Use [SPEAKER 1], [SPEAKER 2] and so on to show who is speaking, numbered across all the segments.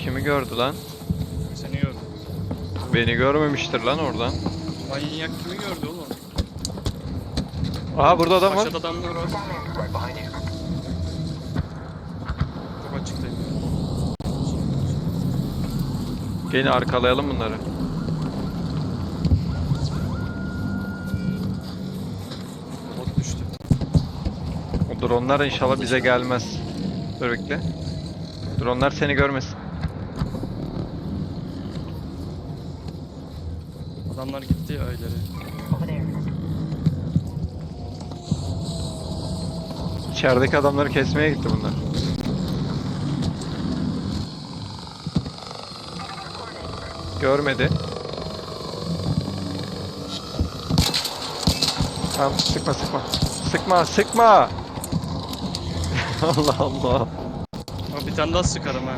[SPEAKER 1] Kimi gördü lan?
[SPEAKER 2] Seni gördüm.
[SPEAKER 1] Beni görmemiştir lan oradan.
[SPEAKER 2] Manyak kimi gördü oğlum?
[SPEAKER 1] Aha burada adam var.
[SPEAKER 2] Aşağıda adamlar var. Çok açıktayım.
[SPEAKER 1] Gelin arkalayalım bunları.
[SPEAKER 2] Bot düştü.
[SPEAKER 1] O dronlar inşallah bize gelmez. Dur bekle. Dronlar seni görmesin.
[SPEAKER 2] Adamlar gitti ya ileri.
[SPEAKER 1] İçerideki adamları kesmeye gitti bunlar. Görmedi. Tamam sıkma sıkma. Sıkma sıkma. Allah Allah.
[SPEAKER 2] Ama bir tane daha sıkarım ha.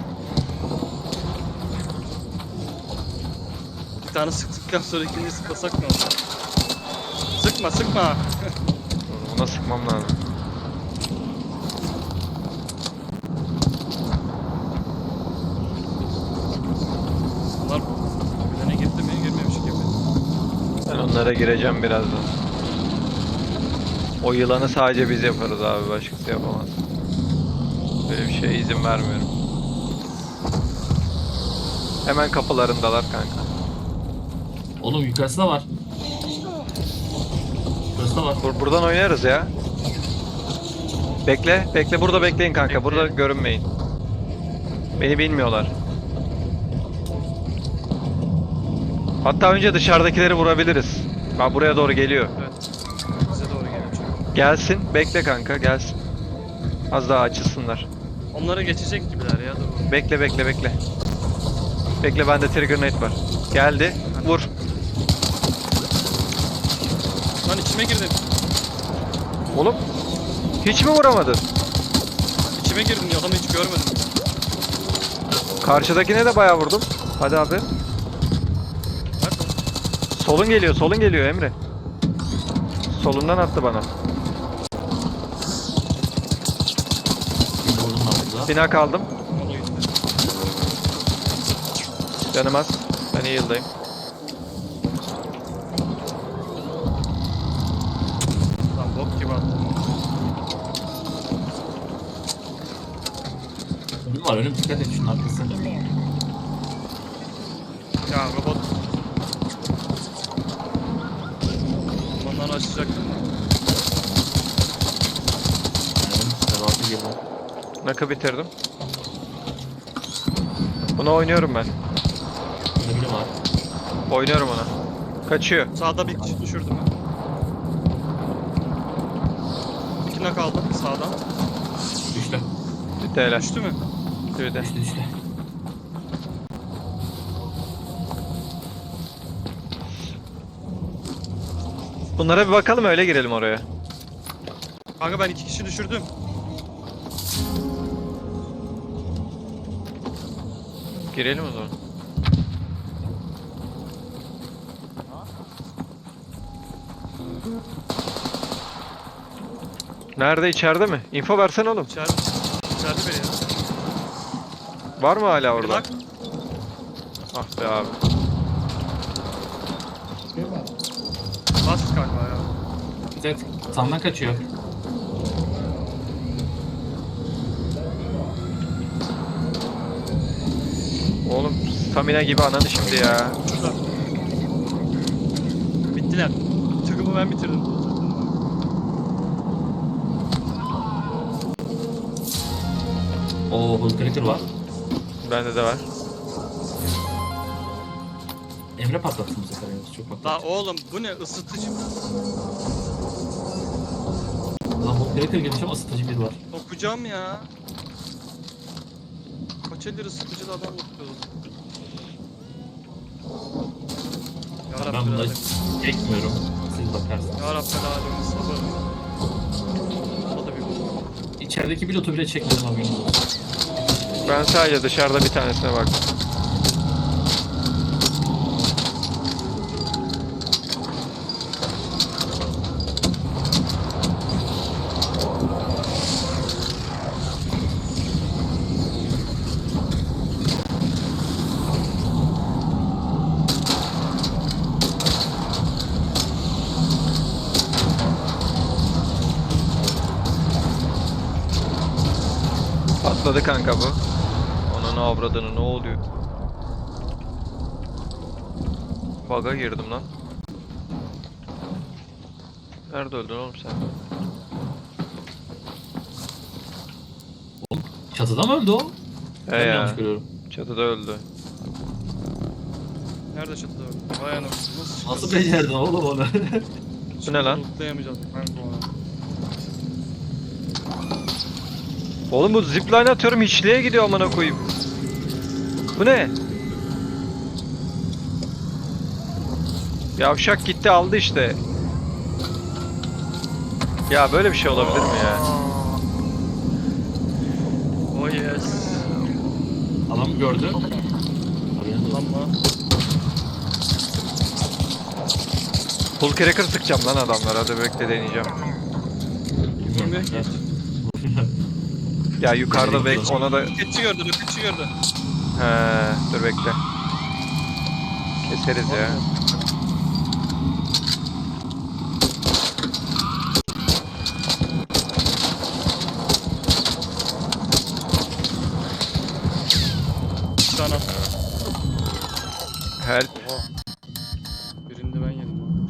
[SPEAKER 2] Bir tane sıktıktan sonra ikinciyi sıklasak ne olur? Sıkma sıkma.
[SPEAKER 1] Ona sıkmam lazım.
[SPEAKER 2] Bunlar birbirine girdi mi girmemiş gibi.
[SPEAKER 1] Ben onlara gireceğim birazdan. O yılanı sadece biz yaparız abi, başkası yapamaz. Böyle bir şeye izin vermiyorum. Hemen kapılarındalar kanka.
[SPEAKER 3] Oğlum yukarısı da var. Burası da var.
[SPEAKER 1] Buradan oynarız ya. Bekle, bekle burada bekleyin kanka. Burada görünmeyin. Beni bilmiyorlar. Hatta önce dışarıdakileri vurabiliriz. Bak buraya doğru geliyor.
[SPEAKER 2] Evet. Bize doğru geliyor çünkü.
[SPEAKER 1] Gelsin, bekle kanka, gelsin. Az daha açılsınlar.
[SPEAKER 2] Onlara geçecek gibiler ya dur.
[SPEAKER 1] Bekle, bekle, bekle. Bekle, bende trigger net var. Geldi, vur.
[SPEAKER 2] Lan içime girdin.
[SPEAKER 1] Oğlum, hiç mi vuramadın?
[SPEAKER 2] İçime girdin ya adamı hiç görmedim.
[SPEAKER 1] Karşıdakine de bayağı vurdum. Hadi abi.
[SPEAKER 2] Nerede?
[SPEAKER 1] Solun geliyor, solun geliyor Emre. Solundan attı bana.
[SPEAKER 3] Şimdi vurdum ben burada.
[SPEAKER 1] Bina kaldım.
[SPEAKER 2] Onu gitti.
[SPEAKER 1] Canım az. Ben iyi yıldayım.
[SPEAKER 2] Lan bok gibi attım.
[SPEAKER 3] Önüm var, önüm dikkat et şunun arkası.
[SPEAKER 2] Ya robot. Onları açacaktım da.
[SPEAKER 3] Önüm devası gibi.
[SPEAKER 1] Nakı bitirdim. Bunu oynuyorum ben.
[SPEAKER 3] Burada biri var.
[SPEAKER 1] Oynuyorum ona. Kaçıyor.
[SPEAKER 2] Sağda bir kişi düşürdüm ben. İki nak aldım sağdan.
[SPEAKER 3] Düştü.
[SPEAKER 1] Bitti helal.
[SPEAKER 2] Düştü mü?
[SPEAKER 1] Bir de.
[SPEAKER 3] Düştü.
[SPEAKER 1] Bunlara bir bakalım, öyle girelim oraya.
[SPEAKER 2] Kanka ben iki kişi düşürdüm.
[SPEAKER 1] Girelim o zaman. Nerede, içeride mi? Info versene oğlum.
[SPEAKER 2] İçeride biri ya.
[SPEAKER 1] Var mı hala
[SPEAKER 2] Bir
[SPEAKER 1] orada?
[SPEAKER 2] nak.
[SPEAKER 1] Ah be abi.
[SPEAKER 2] Bas kanka ya.
[SPEAKER 3] Evet, sağdan kaçıyor.
[SPEAKER 1] Oğlum stamina gibi ananı şimdi ya.
[SPEAKER 2] Şurada. Bittiler. Tıkımı ben bitirdim.
[SPEAKER 3] Oo, Hull Cracker var.
[SPEAKER 1] Bende de var.
[SPEAKER 3] Emre patlattı bu sefer yalnız, çok
[SPEAKER 2] La
[SPEAKER 3] patlattı.
[SPEAKER 2] oğlum bu ne ısıtıcı?
[SPEAKER 3] Lan Hull Cracker gelmiş ama ısıtıcı biri var.
[SPEAKER 2] Okuyacağım ya. Kaç eldir ısıtıcılı adam okuyordu.
[SPEAKER 3] Ben
[SPEAKER 2] Yarabbim
[SPEAKER 3] bunları
[SPEAKER 2] alemin.
[SPEAKER 3] çekmiyorum. Siz bakarsınız.
[SPEAKER 2] Yarabbim alemin sabır. O da bir bok.
[SPEAKER 3] İçerideki pilotu bile çekmedim, haberiniz olsun.
[SPEAKER 1] Ben sadece dışarıda bir tanesine baktım. Patladı kanka bu. Onun avradını ne oluyor? Bug'a girdim lan. Nerede öldün oğlum sen?
[SPEAKER 3] Çatıda mı öldü o?
[SPEAKER 1] He
[SPEAKER 3] Ben mi
[SPEAKER 1] ya.
[SPEAKER 3] yanlış görüyorum?
[SPEAKER 1] Çatıda öldü.
[SPEAKER 2] Nerede çatıda öldü? Vay anasını.
[SPEAKER 3] Nasıl becerdin oğlum onu?
[SPEAKER 1] Bu ne lan?
[SPEAKER 2] Lootlayamayacağız kanka onu.
[SPEAKER 1] Oğlum bu zipline atıyorum hiçliğe gidiyor amına koyayım. Bu ne? Yavşak gitti aldı işte. Ya böyle bir şey olabilir mi ya?
[SPEAKER 2] Oh yes.
[SPEAKER 3] Adam gördü. Haberin olsun.
[SPEAKER 2] Ama
[SPEAKER 1] Full cracker sıkacağım lan adamlara. Hadi bekle deneyeceğim.
[SPEAKER 2] Bilmiyorum ki.
[SPEAKER 1] Ya yukarıda bek ona da...
[SPEAKER 2] Roketçi gördü, roketçi gördü.
[SPEAKER 1] He, dur bekle. Keseriz ya.
[SPEAKER 2] Bir tane attı.
[SPEAKER 1] Help.
[SPEAKER 2] Oha. Birini de ben yedim lan.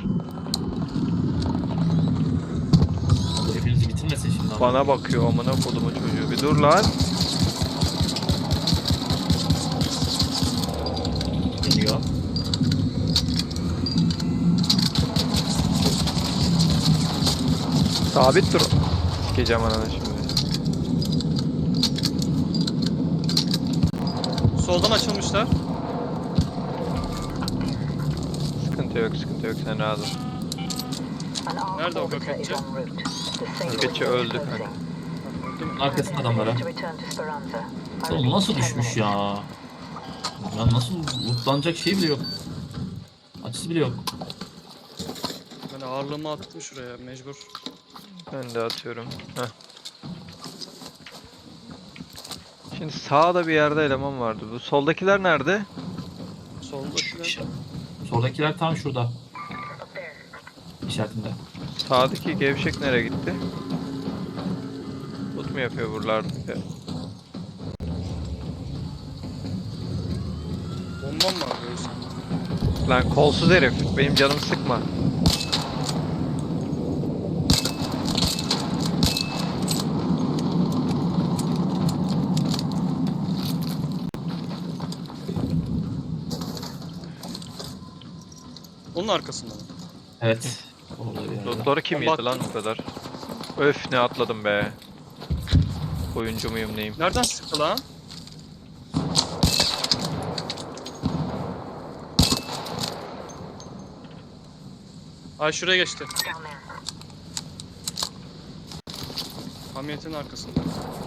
[SPEAKER 3] Hepinizi bitirmesin şimdi. ama.
[SPEAKER 1] Bana bakıyor amına kodumun çocuğu. Bir dur lan.
[SPEAKER 3] Geliyor.
[SPEAKER 1] Sabit dur. Sikeceğim ananı şimdi.
[SPEAKER 2] Soldan açılmışlar.
[SPEAKER 1] Sıkıntı yok, sıkıntı yok. Sen rahat ol.
[SPEAKER 2] Nerede o roketçi?
[SPEAKER 1] Roketçi öldü kanka.
[SPEAKER 3] Arkasında adamlara. Oğlum nasıl düşmüş ya? Ya nasıl lootlanacak şey bile yok. Açısı bile yok.
[SPEAKER 2] Ben ağırlığımı attım şuraya mecbur.
[SPEAKER 1] Ben de atıyorum. Heh. Şimdi sağda bir yerde eleman vardı. Bu soldakiler nerede?
[SPEAKER 2] Soldakiler.
[SPEAKER 3] Soldakiler tam şurada. İşaretinde.
[SPEAKER 1] Sağdaki gevşek nereye gitti? Loot mu yapıyor buralarda?
[SPEAKER 2] Bombam var böyle.
[SPEAKER 1] Lan kolsuz herif. Benim canımı sıkma.
[SPEAKER 2] Onun arkasında mı?
[SPEAKER 3] Evet. Orada bir yerde.
[SPEAKER 1] Lootları kim yedi lan bu kadar? Öf ne atladım be. Oyuncu muyum neyim?
[SPEAKER 2] Nereden sıktı lan? Ay şuraya geçti. Hamiyetin arkasında.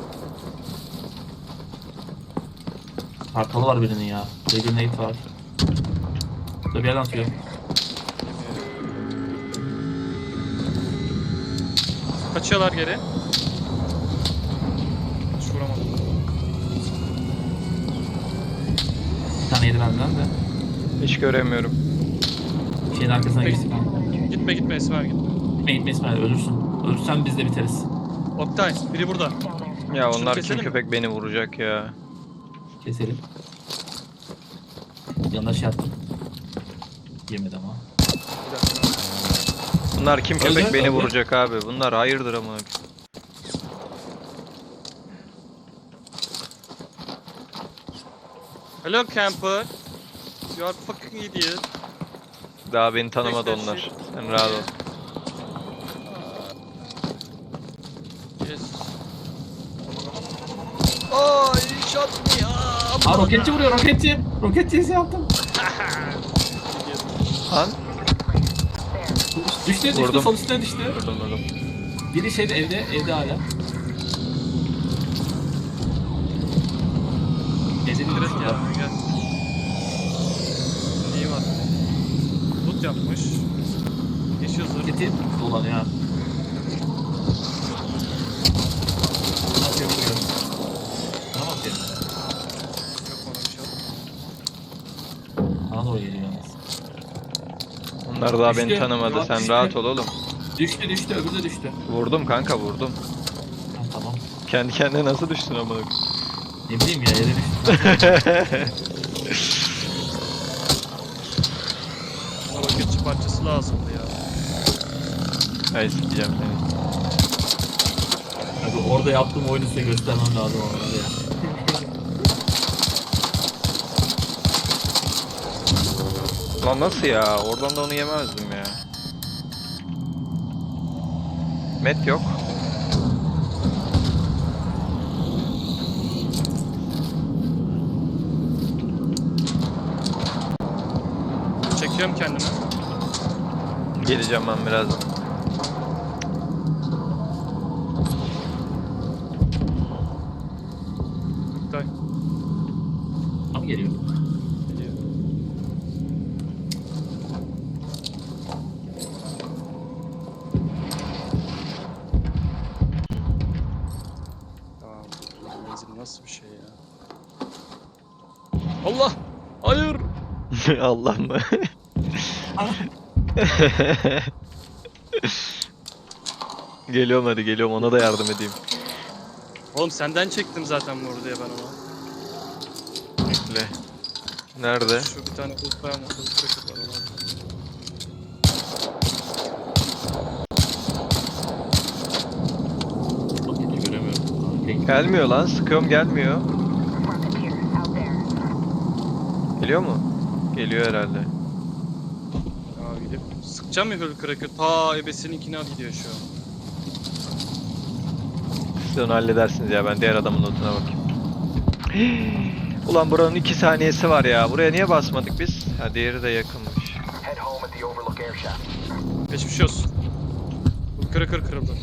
[SPEAKER 3] Kartalı var birinin ya. Baby Nate var. Burada bir yerden atıyor.
[SPEAKER 2] Kaçıyorlar geri. Hiç vuramadım.
[SPEAKER 3] Bir tane yedi benden de.
[SPEAKER 1] Hiç göremiyorum.
[SPEAKER 3] Şeyin arkasına
[SPEAKER 2] Peki.
[SPEAKER 3] geçtik.
[SPEAKER 2] Gitme gitme Esmer gitme.
[SPEAKER 3] Gitme İsmail ölürsün. Ölürsen biz de biteriz.
[SPEAKER 2] Oktay biri burada.
[SPEAKER 1] Ya
[SPEAKER 2] Şunu
[SPEAKER 1] onlar kim
[SPEAKER 2] keselim mi?
[SPEAKER 1] köpek beni vuracak ya.
[SPEAKER 3] Keselim. Yanına şey attım. Yemedi ama.
[SPEAKER 2] Bir dakika.
[SPEAKER 1] Bunlar kim köpek
[SPEAKER 3] Öldü,
[SPEAKER 1] beni
[SPEAKER 3] öldü.
[SPEAKER 1] vuracak abi. Bunlar hayırdır ama.
[SPEAKER 2] Hello camper. You are fucking idiot.
[SPEAKER 1] Daha beni tanımadı
[SPEAKER 2] Fix that
[SPEAKER 1] onlar.
[SPEAKER 2] shit.
[SPEAKER 1] Sen rahat ol.
[SPEAKER 2] Yes. Oh, you shot me.
[SPEAKER 3] Aa roketçi vuruyor roketçi. Roketçi şey yaptım.
[SPEAKER 1] Lan.
[SPEAKER 3] Düştü
[SPEAKER 1] Vurdum.
[SPEAKER 3] sol üstüne düştü.
[SPEAKER 1] Vurdum.
[SPEAKER 3] Biri şeyde evde hala. Evde
[SPEAKER 2] Direkt
[SPEAKER 3] şurada.
[SPEAKER 2] ya gel. İyi var. Loot yapmış. Yeşil zırh.
[SPEAKER 3] Roketi dolanıyor ha. Ne yapıyor bilmiyorum. Bana bak ya.
[SPEAKER 2] Yok bana bir şey.
[SPEAKER 3] Bana doğru geliyor yalnız.
[SPEAKER 1] Onlar daha beni
[SPEAKER 3] Düştü.
[SPEAKER 1] tanımadı.
[SPEAKER 3] Yok,
[SPEAKER 1] Sen
[SPEAKER 3] düştü.
[SPEAKER 1] rahat ol oğlum.
[SPEAKER 3] Düştü öbürü de düştü.
[SPEAKER 1] Vurdum kanka vurdum.
[SPEAKER 3] Ha, tamam.
[SPEAKER 1] Kendi kendine nasıl düştün amına koyayım?
[SPEAKER 3] Ne bileyim ya yere düştüm.
[SPEAKER 2] Bana roketçi parçası lazımdı ya.
[SPEAKER 1] Ay sikeceğim seni.
[SPEAKER 3] Abi orada yaptığım oyunu size göstermem lazım ama ya.
[SPEAKER 1] Lan nasıl ya? Oradan da onu yemezdim ya. Met yok.
[SPEAKER 2] Çekiyorum kendimi.
[SPEAKER 1] Geleceğim ben birazdan.
[SPEAKER 2] Oktay.
[SPEAKER 3] Tam geliyor.
[SPEAKER 2] Geliyor. Tamam. Menzil nasıl bir şey ya? Allah! Hayır!
[SPEAKER 1] Allah mı? Geliyorum hadi geliyorum ona da yardım edeyim.
[SPEAKER 2] Oğlum senden çektim zaten bu diye ben ona.
[SPEAKER 1] Bekle. Nerede?
[SPEAKER 2] Şu bir tane kılıç var mı? Kılıç var ona.
[SPEAKER 3] Roketi göremiyorum. Tek-
[SPEAKER 1] Gelmiyor lan sıkıyorum gelmiyor. Geliyor mu? Geliyor herhalde.
[SPEAKER 2] Ya gidip sıkacağım ya Hulk Cracker. Ta ebesininkine gidiyor şu an.
[SPEAKER 1] Siz onu halledersiniz ya ben diğer adamın notuna bakayım. Ulan buranın 2 saniyesi var ya. Buraya niye basmadık biz? Ha diğeri de yakınmış.
[SPEAKER 4] Head home at the Overlook air shaft.
[SPEAKER 2] Geçmiş olsun. Hulk Cracker kırıldı.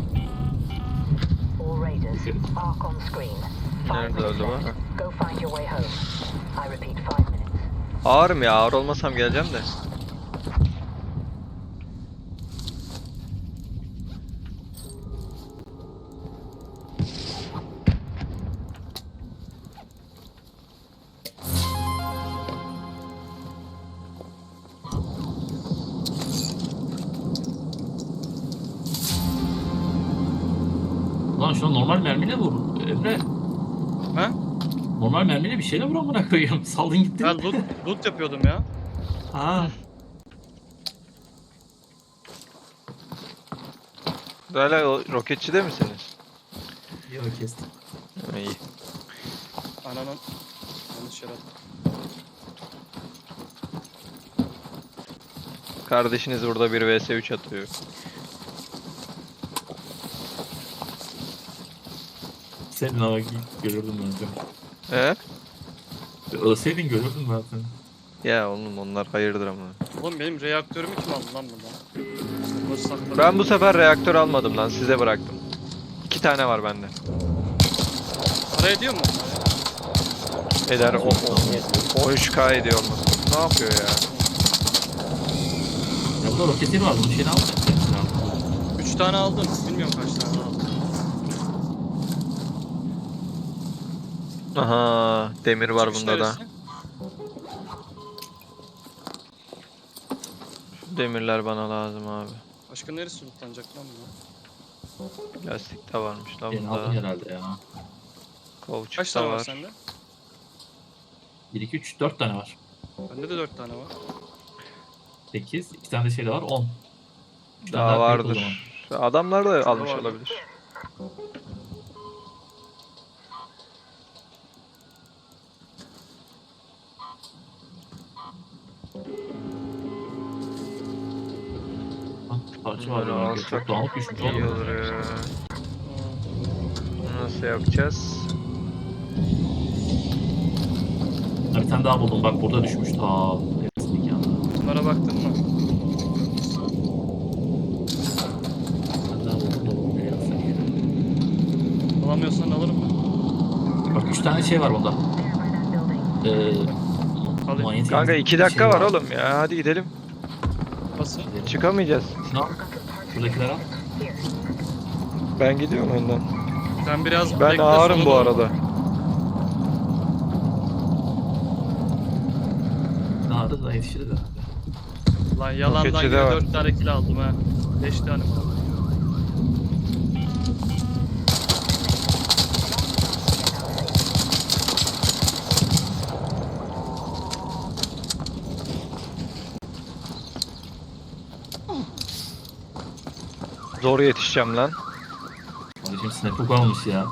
[SPEAKER 5] All Raiders, arc on screen. 5
[SPEAKER 1] Nerede
[SPEAKER 5] minutes
[SPEAKER 1] öldü bu?
[SPEAKER 5] left. Go find your way home. I repeat, 5 minutes.
[SPEAKER 1] Ağırım ya ağır olmasam geleceğim de.
[SPEAKER 3] Lan şuna normal mermiyle vur. Emre.
[SPEAKER 2] Ha?
[SPEAKER 3] Normal mermiyle bir şeyle vur amına koyayım. Saldın gitti.
[SPEAKER 2] Ben loot yapıyordum ya.
[SPEAKER 3] Ha.
[SPEAKER 1] Hala o roketçide misiniz?
[SPEAKER 3] Yok kestim.
[SPEAKER 1] Ha, İyi.
[SPEAKER 2] Ananın yanlış yere attım.
[SPEAKER 1] Kardeşiniz burada bir vs 3 atıyor.
[SPEAKER 3] Senin ama görürdüm ben seni. Ölseydin görürdüm ben seni.
[SPEAKER 1] Ya oğlum onlar hayırdır ama.
[SPEAKER 2] Oğlum benim reaktörümü kim aldı lan buradan? Burası sakladı.
[SPEAKER 1] Ben bu sefer reaktör almadım lan size bıraktım. 2 tane var bende.
[SPEAKER 2] Para ediyor mu?
[SPEAKER 1] Eder o 13k ediyor olması. Ne yapıyor ya?
[SPEAKER 3] Ya burada roketleri var. Bunun şeyini alacak.
[SPEAKER 2] 3 tane aldım. Bilmiyorum kaç tane aldım.
[SPEAKER 1] Aha demir var
[SPEAKER 2] Çıkış
[SPEAKER 1] bunda da.
[SPEAKER 2] neresi?
[SPEAKER 1] Şu demirler bana lazım abi.
[SPEAKER 2] Başka neresi lootlanacak lan bu?
[SPEAKER 1] Lastik de varmış lan
[SPEAKER 3] Şeyini aldın
[SPEAKER 1] bunda.
[SPEAKER 3] herhalde ya.
[SPEAKER 2] Kaç
[SPEAKER 1] Kovçuk da
[SPEAKER 2] tane var
[SPEAKER 1] var.
[SPEAKER 2] sende?
[SPEAKER 3] 1, 2, 3, 4 tane var.
[SPEAKER 2] Bende de 4 tane var.
[SPEAKER 3] 8, 2 tane de şey de var. 10. Bir tane
[SPEAKER 1] Daha
[SPEAKER 3] daha kayıp o
[SPEAKER 1] vardır. Adamlar da
[SPEAKER 2] Şurada
[SPEAKER 1] almış
[SPEAKER 2] vardır.
[SPEAKER 1] olabilir.
[SPEAKER 3] zaman. Parça var
[SPEAKER 1] Bunları
[SPEAKER 3] ya.
[SPEAKER 1] alsak
[SPEAKER 3] Çok dağınık düşmüş
[SPEAKER 1] iyi
[SPEAKER 3] oğlum.
[SPEAKER 1] olur ya. Bunu nasıl yapacağız?
[SPEAKER 3] Ha, bir tane daha buldum. Bak burada düşmüş. Ta. Hepsinin yanında.
[SPEAKER 2] Bunlara baktın mı?
[SPEAKER 3] Bir tane daha buldum da bunu nereye atsak ya?
[SPEAKER 2] Alamıyorsan alırım ben.
[SPEAKER 3] Bak 3 tane şey var bunda.
[SPEAKER 2] Alayım.
[SPEAKER 3] Manyetik
[SPEAKER 1] Kanka
[SPEAKER 3] bir
[SPEAKER 1] 2 dakika
[SPEAKER 3] şey
[SPEAKER 1] var oğlum ya hadi gidelim.
[SPEAKER 2] Nasıl?
[SPEAKER 1] Çıkamayacağız.
[SPEAKER 3] Şunu al. Şuradakileri al.
[SPEAKER 1] Ben gidiyorum önden.
[SPEAKER 2] Sen biraz
[SPEAKER 1] Ben
[SPEAKER 2] bekle,
[SPEAKER 1] ağırım
[SPEAKER 2] sonra
[SPEAKER 1] bu
[SPEAKER 2] doğru.
[SPEAKER 1] arada.
[SPEAKER 3] Daha da yetişiriz herhalde.
[SPEAKER 2] Lan yalandan
[SPEAKER 1] Roketçi
[SPEAKER 2] yine
[SPEAKER 1] de var.
[SPEAKER 2] 4 tane kill aldım ha. 5 tane mi aldım?
[SPEAKER 1] Zor yetişeceğim lan.
[SPEAKER 3] Kardeşim snap'ı kalmış ya.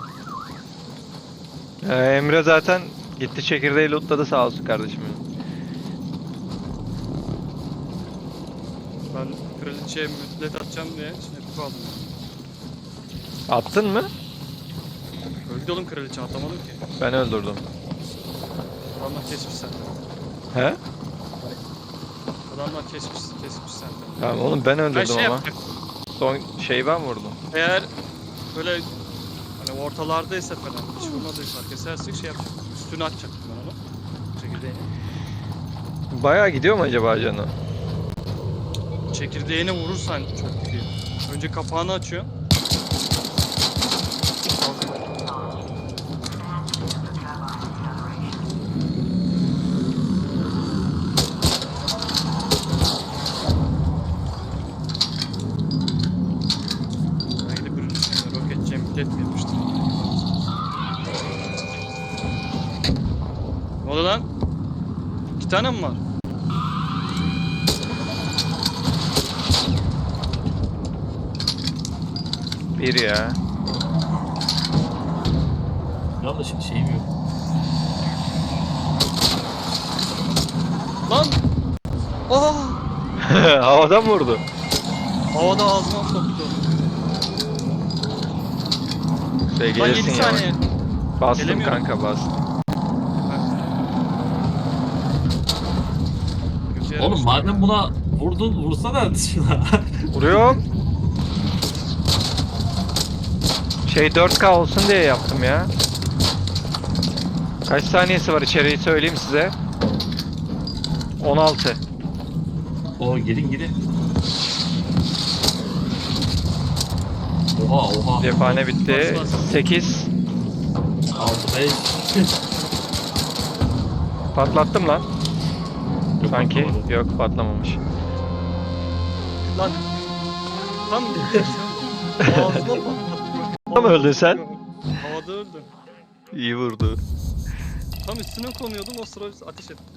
[SPEAKER 1] Emre zaten gitti çekirdeği lootladı sağ olsun kardeşim.
[SPEAKER 2] Ben kraliçeye müddet atacağım diye snap'i aldım.
[SPEAKER 1] Attın mı?
[SPEAKER 2] Öldü oğlum kraliçe, atamadım ki.
[SPEAKER 1] Ben öldürdüm.
[SPEAKER 2] Adamlar kesmiş senden.
[SPEAKER 1] He?
[SPEAKER 2] Adamlar kesmiş senden.
[SPEAKER 1] Tamam oğlum ben
[SPEAKER 2] Ben
[SPEAKER 1] öldürdüm
[SPEAKER 2] şey
[SPEAKER 1] ama.
[SPEAKER 2] yapacak.
[SPEAKER 1] Son şeyi ben vurdum.
[SPEAKER 2] Eğer böyle hani ortalardaysa falan hiç vurmadıysa kesersek şey yapacak. Üstüne atacaktım ben onu. Çekirdeğini.
[SPEAKER 1] Bayağı gidiyor mu acaba canı?
[SPEAKER 2] Çekirdeğine vurursan çok gidiyor. Önce kapağını açıyor. Ben gidip ürün içine roket cempilet mi yapmıştım? Ne oldu lan? 2 tane mi var?
[SPEAKER 1] Bir ya.
[SPEAKER 3] Ya da şimdi şeyim yok.
[SPEAKER 2] Lan! Aa!
[SPEAKER 1] Havadan vurdu.
[SPEAKER 2] Havada ağzıma soktu.
[SPEAKER 1] Şey
[SPEAKER 2] Lan 7
[SPEAKER 1] gelirsin ya.
[SPEAKER 2] saniye.
[SPEAKER 1] Bastım
[SPEAKER 2] Gelemiyorum.
[SPEAKER 1] kanka bastım.
[SPEAKER 2] Kötü yere
[SPEAKER 3] Oğlum
[SPEAKER 2] düştüm
[SPEAKER 3] madem
[SPEAKER 2] ya.
[SPEAKER 3] buna vurdun vursana şuna.
[SPEAKER 1] Vuruyorum. Şey 4K olsun diye yaptım ya. Kaç saniyesi var içeriği söyleyeyim size. 16.
[SPEAKER 3] O gelin. Oha.
[SPEAKER 1] Cephane bitti.
[SPEAKER 2] Bas, bas.
[SPEAKER 1] 8.
[SPEAKER 3] 6 5.
[SPEAKER 1] Patlattım lan. Sanki. Yok patlamamış.
[SPEAKER 2] Lan. Tam ağzıma patlattı.
[SPEAKER 1] Tam öldün sen.
[SPEAKER 2] Havada öldü.
[SPEAKER 1] İyi vurdu.
[SPEAKER 2] Tam üstüne konuyordum, o sıra ateş etti.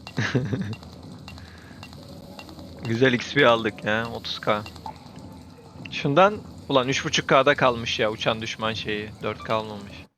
[SPEAKER 1] Güzel XP aldık ya 30K. Şundan ulan 3.5K'da kalmış ya uçan düşman şeyi. 4K almamış.